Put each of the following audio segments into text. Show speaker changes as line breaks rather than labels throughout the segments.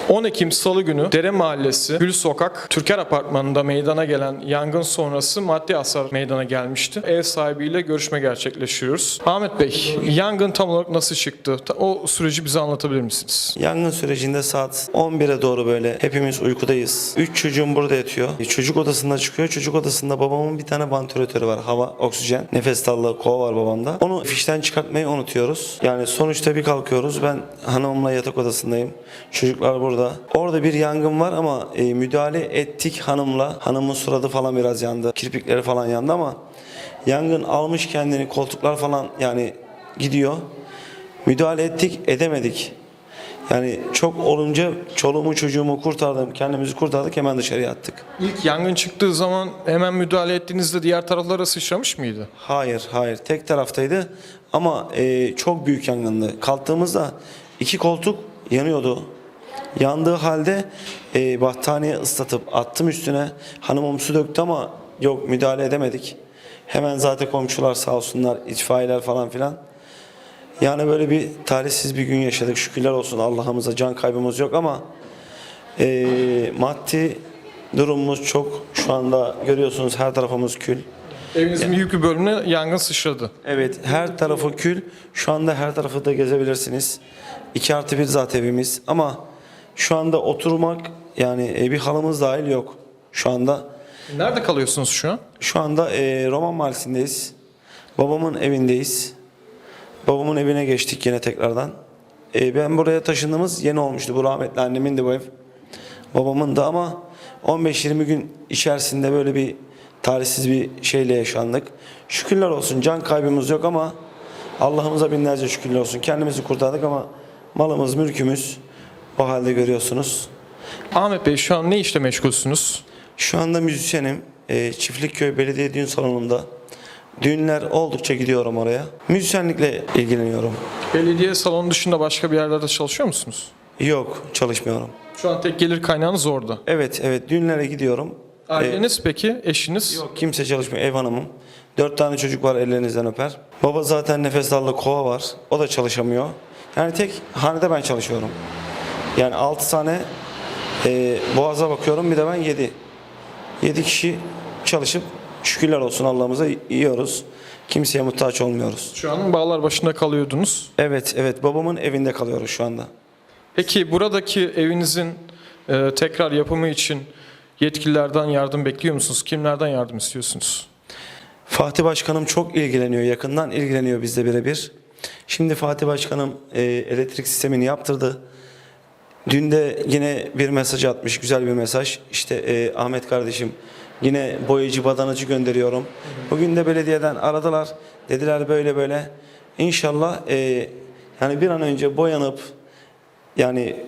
10 Ekim Salı günü Dere Mahallesi Gül Sokak Türker Apartmanı'nda meydana gelen yangın sonrası maddi hasar meydana gelmişti. Ev sahibiyle görüşme gerçekleştiriyoruz. Ahmet Bey, yangın tam olarak nasıl çıktı? O süreci bize anlatabilir misiniz?
Yangın sürecinde saat 11'e doğru böyle hepimiz uykudayız. 3 çocuğum burada yatıyor. Çocuk odasında çıkıyor. Çocuk odasında babamın bir tane vantilatörü var. Hava, oksijen, nefes darlığı kova var babamda. Onu fişten çıkartmayı unutuyoruz. Yani sonuçta bir kalkıyoruz. Ben hanımımla yatak odasındayım. Çocuklar burada. Orada bir yangın var ama müdahale ettik hanımla. Hanımın suratı falan biraz yandı. Kirpikleri falan yandı ama yangın almış kendini, koltuklar falan yani gidiyor. Müdahale ettik, edemedik. Yani çok olunca çoluğumu çocuğumu kurtardım, kendimizi kurtardık, hemen dışarıya attık.
İlk yangın çıktığı zaman hemen müdahale ettiğinizde diğer taraflara sıçramış mıydı?
Hayır, tek taraftaydı ama çok büyük yangındı. Kalktığımızda 2 koltuk yanıyordu. Yandığı halde battaniye ıslatıp attım üstüne. Hanımım su döktü ama yok, müdahale edemedik. Hemen zaten komşular sağ olsunlar, itfaiyeler falan filan. Yani böyle bir talihsiz bir gün yaşadık. Şükürler olsun Allah'ımıza, can kaybımız yok ama maddi durumumuz çok. Şu anda görüyorsunuz her tarafımız kül.
Evinizin büyük bir bölümüne yangın sıçradı.
Evet, her tarafı kül. Şu anda her tarafı da gezebilirsiniz. 2+1 zaten evimiz ama şu anda oturmak yani bir halımız dahil yok şu anda.
Nerede kalıyorsunuz şu an?
Şu anda Roman Mahallesi'ndeyiz. Babamın evindeyiz. Babamın evine geçtik yine tekrardan. Ben buraya taşındığımız yeni olmuştu. Bu rahmetli annemin de bu ev. Babamın da ama 15-20 gün içerisinde böyle bir talihsiz bir şeyle yaşandık. Şükürler olsun, can kaybımız yok ama Allah'ımıza binlerce şükürler olsun. Kendimizi kurtardık ama malımız, mülkümüz o halde görüyorsunuz.
Ahmet Bey, şu an ne işle meşgulsünüz?
Şu anda müzisyenim. Çiftlikköy Belediye Düğün Salonu'nda. Düğünler oldukça gidiyorum oraya. Müzisyenlikle ilgileniyorum.
Belediye salonu dışında başka bir yerlerde çalışıyor musunuz?
Yok, çalışmıyorum.
Şu an tek gelir kaynağınız orada.
Evet, düğünlere gidiyorum.
Aileniz peki, eşiniz?
Yok, kimse çalışmıyor, ev hanımım. 4 tane çocuk var, ellerinizden öper. Baba zaten nefes darlığı kova var, o da çalışamıyor. Yani tek hanede ben çalışıyorum. Yani 6 tane boğaza bakıyorum, bir de ben 7. 7 kişi çalışıp şükürler olsun Allah'ımıza yiyoruz. Kimseye muhtaç olmuyoruz.
Şu an bağlar başında kalıyordunuz.
Evet, babamın evinde kalıyoruz şu anda.
Peki buradaki evinizin tekrar yapımı için yetkililerden yardım bekliyor musunuz? Kimlerden yardım istiyorsunuz?
Fatih Başkanım çok ilgileniyor, yakından ilgileniyor bizle birebir. Şimdi Fatih Başkanım elektrik sistemini yaptırdı. Dün de yine bir mesaj atmış, güzel bir mesaj. İşte Ahmet kardeşim, yine boyacı, badanacı gönderiyorum. Bugün de belediyeden aradılar. Dediler böyle böyle. İnşallah yani bir an önce boyanıp yani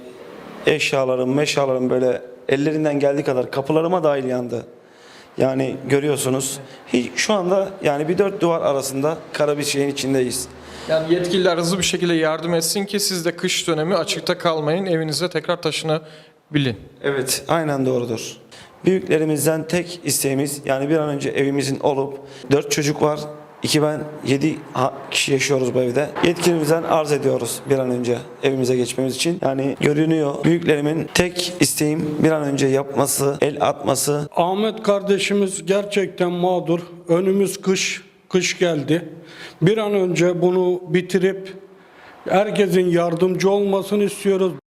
eşyalarım böyle ellerinden geldiği kadar kapılarıma dahil yandı. Yani görüyorsunuz. Şu anda yani bir 4 duvar arasında kara bir şeyin içindeyiz.
Yani yetkililer hızlı bir şekilde yardım etsin ki siz de kış dönemi açıkta kalmayın, evinize tekrar taşınabilin.
Evet, aynen doğrudur. Büyüklerimizden tek isteğimiz yani bir an önce evimizin olup 4 çocuk var. 2 ben 7 kişi yaşıyoruz bu evde. Yetkilimizden arz ediyoruz bir an önce evimize geçmemiz için. Yani görünüyor. Büyüklerimin tek isteğim bir an önce yapması, el atması.
Ahmet kardeşimiz gerçekten mağdur. Önümüz kış geldi. Bir an önce bunu bitirip herkesin yardımcı olmasını istiyoruz.